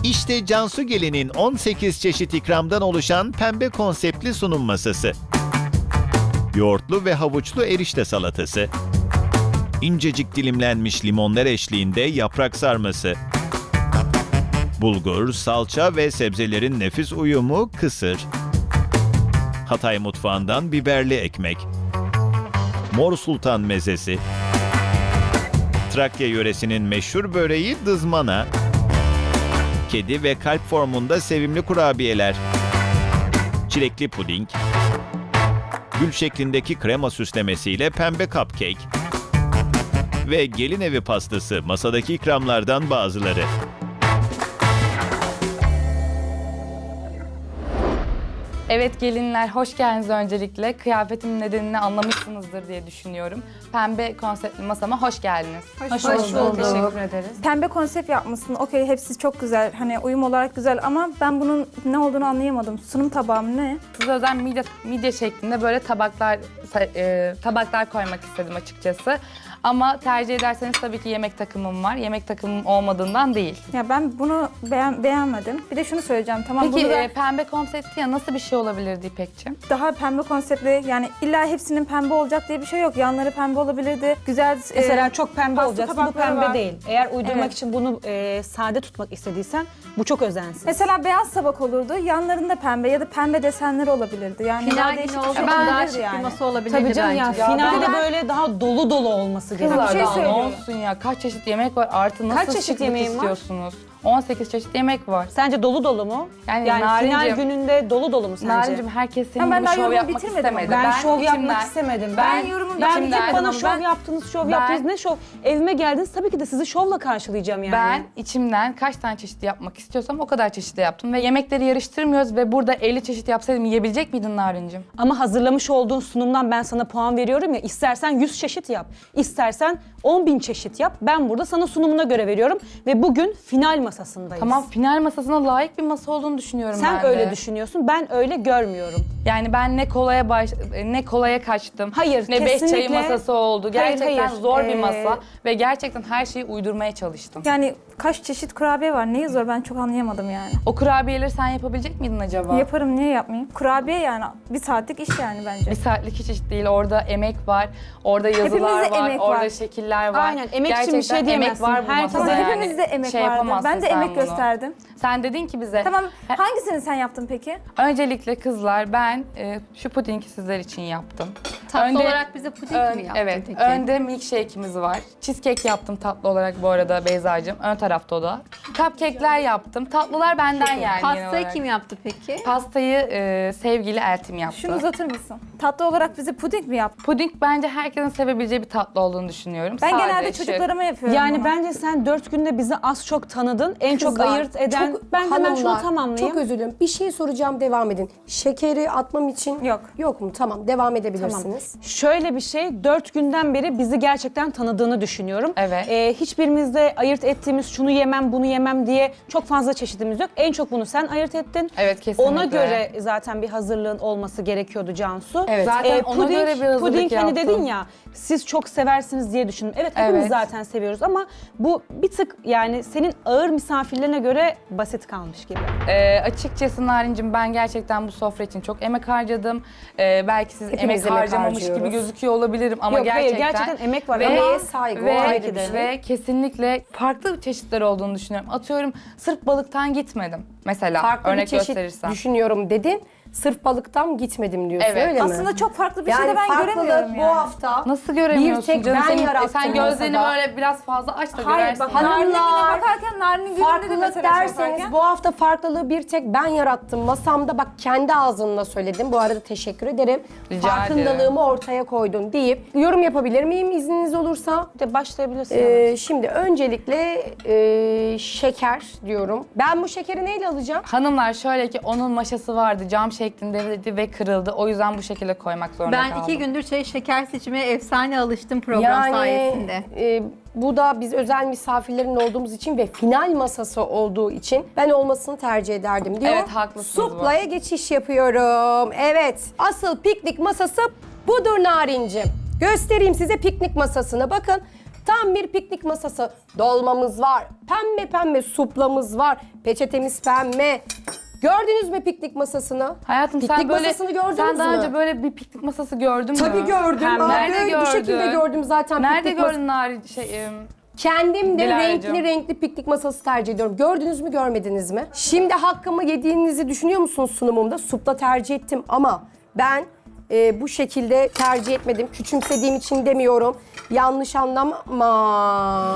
İşte Cansu Gelin'in 18 çeşit ikramdan oluşan pembe konseptli sunum masası. Yoğurtlu ve havuçlu erişte salatası. İncecik dilimlenmiş limonlar eşliğinde yaprak sarması. Bulgur, salça ve sebzelerin nefis uyumu kısır. Hatay mutfağından biberli ekmek. Mor Sultan mezesi. Trakya yöresinin meşhur böreği dızmana. Kedi ve kalp formunda sevimli kurabiyeler. Çilekli puding. Gül şeklindeki krema süslemesiyle pembe cupcake. Ve gelin evi pastası masadaki ikramlardan bazıları. Evet gelinler, hoş geldiniz öncelikle. Kıyafetimin nedenini anlamışsınızdır diye düşünüyorum. Pembe konseptli masama hoş geldiniz. Hoş bulduk. Teşekkür ederiz. Pembe konsept yapmışsın. Okey, hepsi çok güzel. Hani uyum olarak güzel ama ben bunun ne olduğunu anlayamadım. Sunum tabağı mı ne? Size özel midye şeklinde böyle tabaklar koymak istedim açıkçası. Ama tercih ederseniz tabii ki yemek takımım var. Yemek takımım olmadığından değil. Ya ben bunu beğenmedim. Bir de şunu söyleyeceğim. Tamam, Peki bunu da pembe konsepti ya nasıl bir şey olabilirdi İpek'ciğim? daha pembe konseptli, yani illa hepsinin pembe olacak diye bir şey yok. Yanları pembe olabilirdi. Güzel Mesela çok pembe pasta olacaksa bu tabakları pembe var. değil. Eğer uydurmak Evet. için bunu sade tutmak istediysen bu çok özensiz. Mesela beyaz tabak olurdu. Yanlarında pembe ya da pembe desenleri olabilirdi. Yani Final daha günü değişik bir olsa şey daha olabilirdi şık yani. bir masa olabilirdi Tabii canım ya bence. finalde ben- böyle daha dolu dolu olması gerekiyor. Kızlar şey daha ne söylüyorum. olsun ya? Kaç çeşit yemek var? Artı nasıl Kaç çeşit şıklık yemeğin var? istiyorsunuz? 18 çeşit yemek var. Sence dolu dolu mu? Yani Yani final Narinciğim- gününde dolu dolu mu sence? Narinciğim herkes senin Ha, ben gibi daha şov yorumu yapmak bitirmedim istemedi. ama. Ben şov içimden- yapmak istemedim. Ben yorumu ben bitirmedim hep bana ama şov ben- yaptınız, şov ben- yaptınız. Ne şov? Evime geldiniz tabii ki de sizi şovla karşılayacağım yani. Ben içimden kaç tane çeşit yapmak istiyorsam o kadar çeşitli yaptım. Ve yemekleri yarıştırmıyoruz ve burada 50 çeşit yapsaydım yiyebilecek miydin Narincim? Ama hazırlamış olduğun sunumdan ben sana puan veriyorum ya. İstersen 100 çeşit yap, istersen 10.000 çeşit yap. Ben burada sana sunumuna göre veriyorum ve bugün final masasındayız. Tamam, final masasına layık bir masa olduğunu düşünüyorum ben Sen de. öyle düşünüyorsun, ben öyle görmüyorum. Yani ben ne kolaya kaçtım. Hayır, ne beş kesinlikle. çayı masası oldu. Gerçekten hayır. zor bir masa ve gerçekten her şeyi uydurmaya çalıştım. Yani kaç çeşit kurabiye var? Neyi zor? Ben çok anlayamadım yani. O kurabiyeleri sen yapabilecek miydin acaba? Yaparım, niye yapmayayım? Kurabiye yani bir saatlik iş yani bence. Bir saatlik hiç iş değil. Orada emek var, orada yazılar Hepimizde var, emek orada var. şekiller var. Aynen, emek için bir Gerçekten şey diyemezsin. emek var bu Herkes- masada Ama yani. hepimizde emek Şey vardı. yapamazsın Ben de sen emek bunu. gösterdim. Sen dedin ki bize... Tamam, hangisini sen yaptın peki? Öncelikle kızlar ben şu pudingi sizler için yaptım. Tatlı olarak bize puding mi yaptın Evet. peki? Önde milkshake'imiz var. Cheesecake yaptım tatlı olarak bu arada Beyza'cığım. Ön tarafta o da. Cupcake'ler yaptım. Tatlılar benden yani genel Pastayı olarak. kim yaptı peki? Pastayı sevgili Eltim yaptı. Şunu uzatır mısın? Tatlı olarak bize puding mi yaptın? Puding bence herkesin sevebileceği bir tatlı olduğunu düşünüyorum. Ben Sade, genelde şık. çocuklarıma yapıyorum Yani bunu. bence sen 4 günde bizi az çok tanıdın. En çok Kızlar, ayırt eden... çok- ben hemen şunu hanımlar, tamamlayayım. Çok özür dilerim. Bir şey soracağım, devam edin. Şekeri atmam için Yok. Yok mu? Tamam, devam edebilirsiniz. Şöyle bir şey, 4 günden beri bizi gerçekten tanıdığını düşünüyorum. Evet. Hiçbirimizde ayırt ettiğimiz şunu yemem, bunu yemem diye çok fazla çeşidimiz yok. En çok bunu sen ayırt ettin. Evet, kesinlikle. Ona göre zaten bir hazırlığın olması gerekiyordu Cansu. Evet, zaten ona göre bir hazırlık puding hani yaptım. dedin ya, siz çok seversiniz diye düşündüm. Evet, hepimiz Evet. zaten seviyoruz ama bu bir tık yani senin ağır misafirlerine göre basit kalmış gibi. Açıkçası Narincim ben gerçekten bu sofra için çok emek harcadım. Belki siz Hepimiz emek emek harcamamış gibi harcıyoruz. gözüküyor olabilirim ama Yok, hayır, gerçekten... gerçekten emek var. Emeğe saygı, o ayrı bir şey. Ve kesinlikle farklı çeşitler olduğunu düşünüyorum. Atıyorum sırf balıktan gitmedim mesela Farklı örnek bir çeşit gösterirsem. düşünüyorum dedin. Sırf balıktan gitmedim diyorsun, Evet. öyle mi? Aslında çok farklı bir şey yani de ben farklılık göremiyorum bu yani. hafta. Nasıl göremiyorsun Bir tek canım? ben Sen yarattım gözlerini masada. böyle biraz fazla aç da Hayır görersin. bak, yani. Narin'in gününe Hanımlar, bakarken Narin'in gününde de Farklılık mesela şey derseniz yaparken- bu hafta farklılığı bir tek ben yarattım. Masamda bak kendi ağzınla söyledim. Bu arada teşekkür ederim. Rica Farkındalığımı ortaya koydun deyip yorum yapabilir miyim izniniz olursa? Bir de başlayabilirsin. Şimdi öncelikle şeker diyorum. Ben bu şekeri neyle alacağım? Hanımlar şöyle ki onun maşası vardı cam şeklindeydi ve kırıldı. O yüzden bu şekilde koymak zorunda Ben kaldım. 2 gündür şeker seçmeye efsane alıştım program sayesinde. Bu da biz özel misafirlerin olduğumuz için ve final masası olduğu için ben olmasını tercih ederdim diyor. Evet, haklısınız bu. Suplaya geçiş yapıyorum. Evet, asıl piknik masası budur Narincim. Göstereyim size piknik masasını. Bakın Tam bir piknik masası. Dolmamız var. Pembe pembe suplamız var. Peçetemiz pembe. Gördünüz mü piknik masasını? Hayatım piknik sen böyle masasını gördünüz sen daha mü? önce böyle bir piknik masası gördün mü? Tabii gördüm. Hem Aa, nerede böyle Bu şekilde gördün? gördüm zaten. Nerede piknik gördün Kendim de Dilara'cığım. renkli piknik masası tercih ediyorum. Gördünüz mü görmediniz mi? Şimdi hakkımı yediğinizi düşünüyor musunuz sunumumda? Supla tercih ettim ama ben bu şekilde tercih etmedim. Küçümsediğim için demiyorum. Yanlış anlama.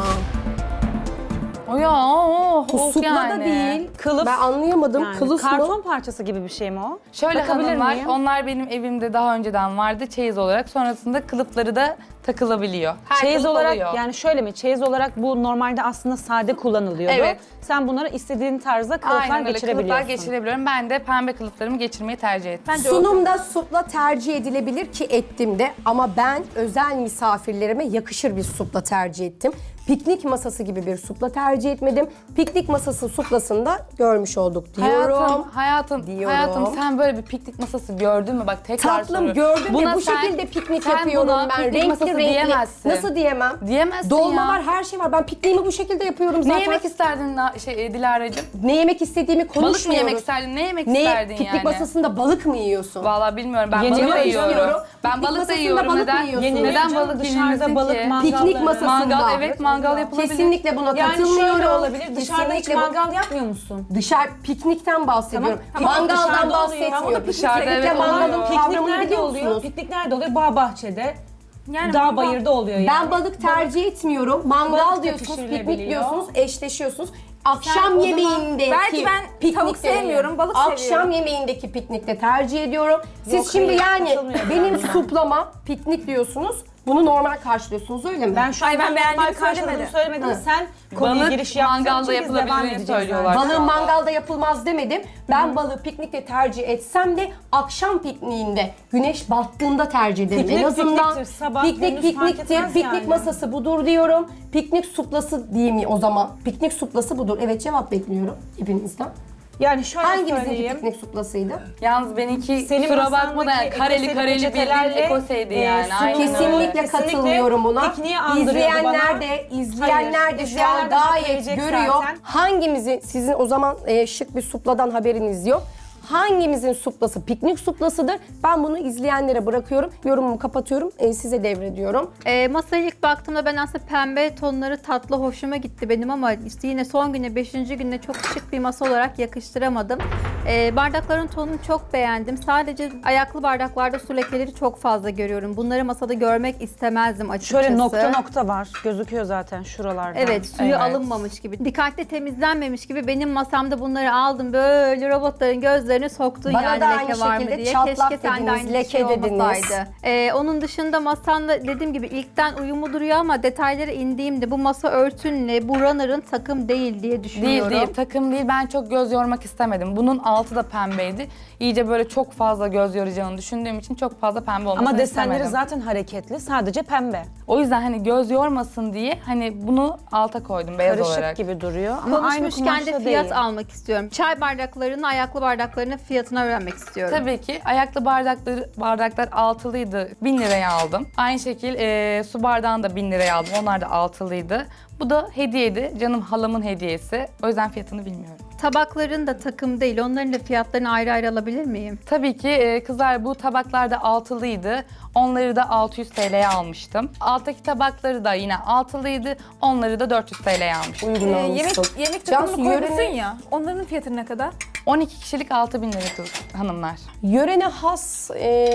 O ya Bu of supla yani. da değil. Kılıf. Ben anlayamadım. Yani Kılıf karton mı? parçası gibi bir şey mi o? Şöyle Bakabilir hanımlar, miyim? onlar benim evimde daha önceden vardı çeyiz olarak. Sonrasında kılıfları da takılabiliyor. Her Çeyiz kılıf olarak oluyor. yani şöyle mi? Çeyiz olarak bu normalde aslında sade kullanılıyordu. Evet. Sen bunları istediğin tarzda kılıflar Aynen öyle, geçirebiliyorsun. kılıflar geçirebiliyorum. Ben de pembe kılıflarımı geçirmeyi tercih ettim. Sunumda supla tercih edilebilir ki ettim de ama ben özel misafirlerime yakışır bir supla tercih ettim. Piknik masası gibi bir supla tercih etmedim. Piknik masası suplasında görmüş olduk diyorum. Hayatım, Diyorum. sen böyle bir piknik masası gördün mü? Bak tekrar Tatlım soruyorum. gördüm Buna ve bu sen- şekilde piknik sen yapıyorum buna ben. piknik masası diyemezsin. Nasıl diyemem? Diyemezsin Dolma ya. var, her şey var. Ben pikniğimi bu şekilde yapıyorum zaten. Ne yemek isterdin Dilara'cığım? Ne yemek istediğimi Balık mı konuşmuyoruz. yemek isterdin? Ne yemek Ne? isterdin Piknik yani? masasında balık mı yiyorsun? Vallahi bilmiyorum. Ben Yeni balık da bir yiyorum. istiyorum. Ben Piknik balık da masasında yiyorum. balık mı Neden? yiyorsun? Yeni Neden bir balık dışarıda yenilmesin balık ki? mangalları. Piknik masasında. Mangal, evet mangal yapılabilir. Kesinlikle buna Yani katılmıyorum. şöyle olabilir. Dışarıda hiç Kesinlikle bu- mangal yapmıyor musun? Dışarı piknikten bahsediyorum. Mangaldan Dışarıda oluyor. bahsetmiyorum. Dışarıda Piknikle evet mangalın oluyor. Piknik kavramını nerede biliyor oluyor? musunuz? Piknik nerede oluyor? Bağ bahçede. Yani Dağ mangal- bayırda oluyor yani. Ben balık tercih etmiyorum. Mangal Balık da diyorsunuz, piknik pişirilebiliyor. diyorsunuz, eşleşiyorsunuz. Akşam o zaman- yemeğindeki Belki ben tavuk sevmiyorum, balık Akşam seviyorum. yemeğindeki piknikte tercih ediyorum. Siz Yok, şimdi hayır, yani katılmıyorum benim ben buna. suplama piknik diyorsunuz. Bunu normal karşılıyorsunuz öyle mi? Ben şu an Hayır, ben normal beğendiğimi karşıladığını söylemedim. Hı. Sen konuya Balık giriş yaptığın mangalda için biz devam yapılabildiğini edeceğiz söylüyorlar. zaten. Balığın mangalda yapılmaz demedim. Ben balığı piknikte tercih etsem de akşam pikniğinde güneş battığında tercih ederim. Piknik En azından pikniktir, sabah, piknik gündüz fark pikniktir. etmez Piknik yani. masası budur diyorum. Piknik suplası diyeyim o zaman. Piknik suplası budur. Evet cevap bekliyorum hepinizden. Yani şöyle Hangimizinki söyleyeyim. piknik suplasıydı? Yalnız benimki Senin kusura bakma da yani masandaki kareli ekoseli kareli bir peçetelerle, ekoseydi yani. sunum- Aynen öyle. Kesinlikle katılmıyorum buna. pikniği andırıyordu İzleyenler bana. de, Hayır, izleyenler de şu izleyenler an de hak gayet verecek görüyor. zaten. Hangimizin, sizin o zaman şık bir supladan haberiniz yok. Hangimizin suplası piknik suplasıdır? Ben bunu izleyenlere bırakıyorum. Yorumumu kapatıyorum. Size devrediyorum. Masaya ilk baktığımda ben aslında pembe tonları tatlı hoşuma gitti benim ama işte yine son güne 5. günde çok şık bir masa olarak yakıştıramadım. Bardakların tonunu çok beğendim. Sadece ayaklı bardaklarda su lekeleri çok fazla görüyorum. Bunları masada görmek istemezdim açıkçası. Şöyle nokta nokta var. Gözüküyor zaten şuralarda. Evet, suyu Evet. alınmamış gibi. Dikkatli temizlenmemiş gibi benim masamda bunları aldım. Böyle robotların gözlerine soktun Bana yani da leke aynı var mı şekilde diye. çatlak Keşke sende dediniz, aynı leke şey dediniz. olmasaydı. Onun dışında masanda dediğim gibi ilkten uyumlu duruyor ama detaylara indiğimde bu masa örtünle bu runner'ın takım değil diye Değil düşünüyorum. değil takım değil, ben çok göz yormak istemedim. Bunun altı da pembeydi. İyice böyle çok fazla göz yoracağını düşündüğüm için çok fazla pembe olmasını Ama desenleri istemedim. zaten hareketli. Sadece pembe. O yüzden hani göz yormasın diye hani bunu alta koydum beyaz Karışık olarak. gibi duruyor. Ama aynı Konuşmuşken de kumaşta fiyat değil. almak istiyorum. Çay bardaklarının, ayaklı bardaklarının fiyatını öğrenmek istiyorum. Tabii ki ayaklı bardaklar altılıydı. 1000 liraya aldım. Aynı şekil su bardağını da 1000 liraya aldım. Onlar da altılıydı. Bu da hediyeydi. Canım halamın hediyesi. O yüzden fiyatını bilmiyorum. Tabakların da takım değil. Onların da fiyatlarını ayrı ayrı alabilir miyim? Tabii ki kızlar bu tabaklar da altılıydı. Onları da 600 TL'ye almıştım. Alttaki tabakları da yine altılıydı. Onları da 400 TL'ye almıştım. Uygun almışsın. Yemek Cansu, takımını koymuşsun yörene- ya. Onların fiyatı ne kadar? 12 kişilik 6000 lira kız hanımlar. Yörene has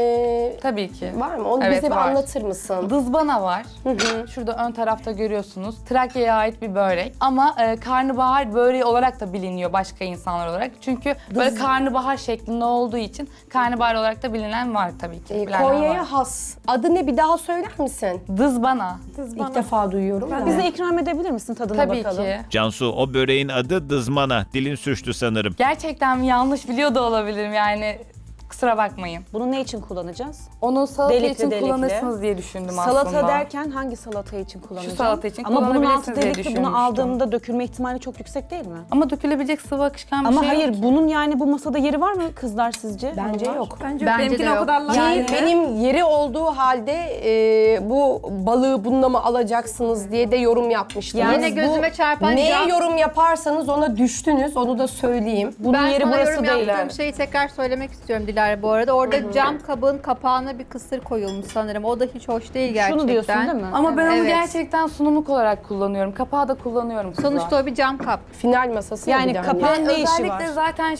Tabii ki. var mı? Onu Evet, bize bir var. anlatır mısın? Dızbana var. Şurada ön tarafta görüyorsunuz. Trakya'ya ait bir börek. Ama karnabahar böreği olarak da biliniyor başka insanlar olarak. Çünkü böyle karnabahar şeklinde olduğu için karnabahar olarak da bilinen var tabii ki. Bilenler var. Konya'ya has. Adı ne bir daha söyler misin? Dızbana. İlk defa duyuyorum. da. Bize ikram edebilir misin tadına Tabii bakalım? ki. Cansu, o böreğin adı dızmana. Dilin sürçtü sanırım. Gerçekten yanlış biliyor da olabilirim yani. Kusura bakmayın. Bunu ne için kullanacağız? Onu salata Delikli, için delikli. kullanırsınız diye düşündüm aslında. Salata derken hangi salata için kullanacağım? salata için Ama bunun altı kullanabilirsiniz diye delikli, bunu düşünmüştüm. aldığımda dökülme ihtimali çok yüksek değil mi? Ama dökülebilecek sıvı akışkan bir Ama şey hayır, yok ki. bunun yani bu masada yeri var mı kızlar sizce? Bence yok. Bence, Bence benimkine de o yok. kadar laf Yani geldi. benim yeri olduğu halde bu balığı bununla mı alacaksınız diye de yorum yapmıştınız. Yani Yine gözüme Bu çarpan neye cam. yorum yaparsanız ona düştünüz, onu da söyleyeyim. Bunun Ben yeri sana burası yorum değil. yaptığım şeyi tekrar söylemek istiyorum Dilara bu arada. Orada cam kabın kapağına bir kısır koyulmuş sanırım. O da hiç hoş değil gerçekten. Şunu diyorsun değil mi? Ama ben onu Evet. gerçekten sunumluk olarak kullanıyorum. Kapağı da kullanıyorum kızlar. Sonuçta o bir cam kap. Final masası Yani bir de hani. kapağı- Ne işi Özellikle var? zaten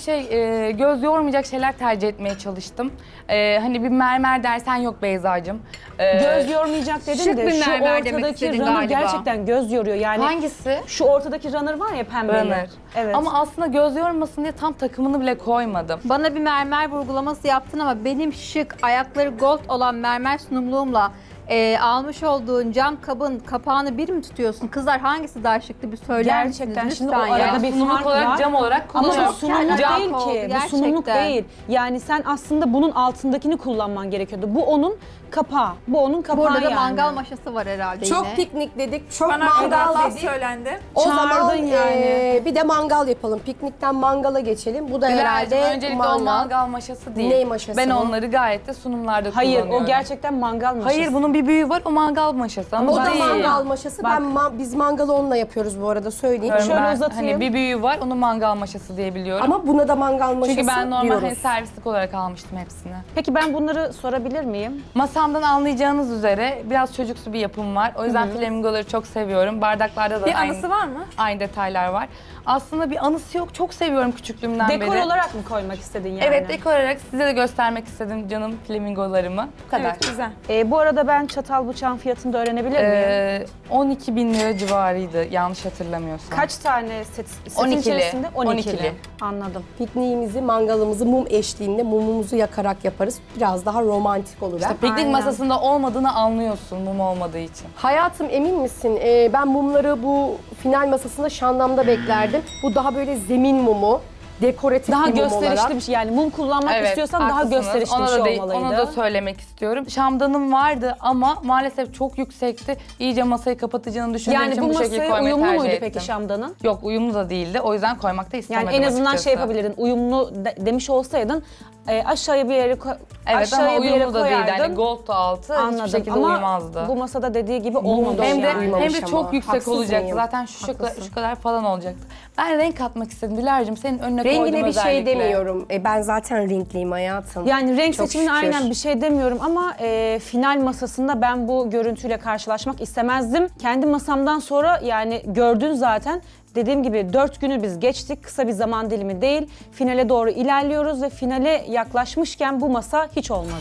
göz yormayacak şeyler tercih etmeye çalıştım. Hani bir mermer dersen yok Beyza'cığım. Göz yormayacak dedim şık de bir şu mermer demek ortadaki istedin runner galiba. gerçekten göz yoruyor. Yani Hangisi? şu ortadaki runner var ya pembeli. Runner. Evet. Ama aslında göz yormasın diye tam takımını bile koymadım. Bana bir mermer vurgulaması yaptın ama benim şık, ayakları gold olan mermer sunumluğumla almış olduğun cam kabın kapağını bir mi tutuyorsun? Kızlar hangisi daha şıktı bir söyler Gerçekten misiniz şimdi lütfen o arada ya? bir Sunumluk fark olarak var. cam olarak Ama bu kullanıyorum. sunumluk Cam değil oldu, ki. Bu sunumluk gerçekten. değil. Yani sen aslında bunun altındakini kullanman gerekiyordu. Bu onun kapağı. Bu onun kapağı Burada da yani. mangal maşası var herhalde Çok yine. piknik dedik, çok Bana mangal laf dedik. söylendi. O zaman Çağırdın yani. bir de mangal yapalım. Piknikten mangala geçelim. Bu da Dilara'cığım, herhalde öncelikle o mangal maşası değil. Ney maşası Ben bu? onları gayet de sunumlarda Hayır, kullanıyorum. o gerçekten mangal maşası. Hayır, bunun bir büyüğü var, o mangal maşası. Ama O da değil. mangal maşası. Bak. Biz mangalı onunla yapıyoruz bu arada söyleyeyim. Diyorum Şöyle ben, uzatayım. Hani bir büyüğü var, onu mangal maşası diye biliyorum. Ama buna da mangal maşası Çünkü ben normal diyoruz. hani servislik olarak almıştım hepsini. Peki ben bunları sorabilir miyim? Masamdan anlayacağınız üzere biraz çocuksu bir yapım var. O yüzden flamingoları çok seviyorum. Bardaklarda da Bir aynı, anısı var mı? aynı detaylar var. Aslında bir anısı yok. Çok seviyorum küçüklüğümden Dekor beri. olarak mı koymak istedin yani? Evet, dekor olarak size de göstermek istedim canım flamingolarımı. Bu kadar. Evet, güzel. Bu arada ben çatal bıçağın fiyatını da öğrenebilir miyim? 12.000 lira civarıydı yanlış hatırlamıyorsam. Kaç tane setin 12'li. içerisinde? 12'li. 12'li. Anladım. Pikniğimizi, mangalımızı mum eşliğinde mumumuzu yakarak yaparız. Biraz daha romantik olur. ha? Piknik Aynen. masasında olmadığını anlıyorsun mum olmadığı için. Hayatım emin misin? Ben mumları bu final masasında Şandam'da beklerdim. Bu daha böyle zemin mumu, dekoratif Daha bir mum olarak. gösterişli bir şey. Yani mum kullanmak istiyorsan daha haklısınız. gösterişli Ona bir da şey değil- olmalıydı. Onu da söylemek istiyorum. Şamdanım vardı ama maalesef çok yüksekti. İyice masayı kapatacağını düşündüğüm Yani için bu bu şekilde masaya koymayı uyumlu tercih muydu ettim. peki şamdanın? Yok, uyumlu da değildi. O yüzden koymak da istemedim Yani en azından açıkçası. şey yapabilirdin. Uyumlu demiş olsaydın aşağıya bir yere Evet ama aşağıya bir yere uyumlu da değildi. koyardın. Yani gold da altı Anladım. hiçbir şekilde Ama uyumazdı. bu masada dediği gibi olmamış Hem de, yani. uyumamış hem de çok ama. yüksek Haksız olacaktı. mıyım? Zaten şu kadar falan olacaktı. Ben renk katmak istedim Dilara'cığım. Senin önüne koydum Rengine bir özellikle. şey demiyorum. Ben zaten renkliyim hayatım. Yani renk Çok seçimine şükür. aynen bir şey demiyorum ama final masasında ben bu görüntüyle karşılaşmak istemezdim. Kendi masamdan sonra yani gördün zaten. Dediğim gibi 4 günü biz geçtik. Kısa bir zaman dilimi değil. Finale doğru ilerliyoruz ve finale yaklaşmışken bu masa hiç olmadı.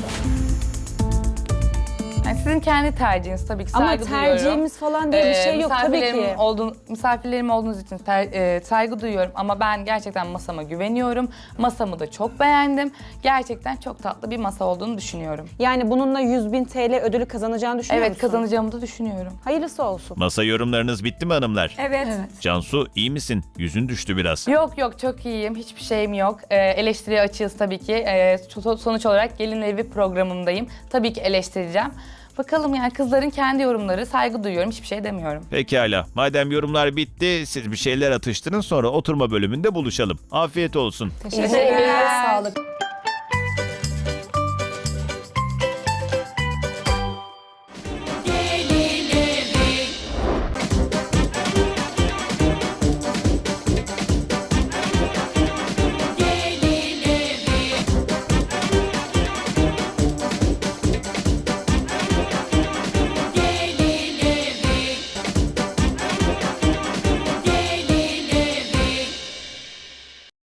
Yani sizin kendi tercihiniz tabii ki, Ama saygı duyuyorum. tercihimiz falan diye bir şey yok tabii ki. Misafirlerim olduğunuz için saygı duyuyorum ama ben gerçekten masama güveniyorum. Masamı da çok beğendim. Gerçekten çok tatlı bir masa olduğunu düşünüyorum. Yani bununla 100.000 TL ödülü kazanacağını düşünüyor Evet, musun? kazanacağımı da düşünüyorum. Hayırlısı olsun. Masa yorumlarınız bitti mi hanımlar? Evet. Cansu iyi misin? Yüzün düştü biraz. Yok çok iyiyim. Hiçbir şeyim yok. Eleştiriye açığız tabii ki. Sonuç olarak gelin evi programındayım. Tabii ki eleştireceğim. Bakalım yani kızların kendi yorumları, saygı duyuyorum. Hiçbir şey demiyorum. Pekala. Madem yorumlar bitti, siz bir şeyler atıştırın sonra oturma bölümünde buluşalım. Afiyet olsun. Emeğine sağlık.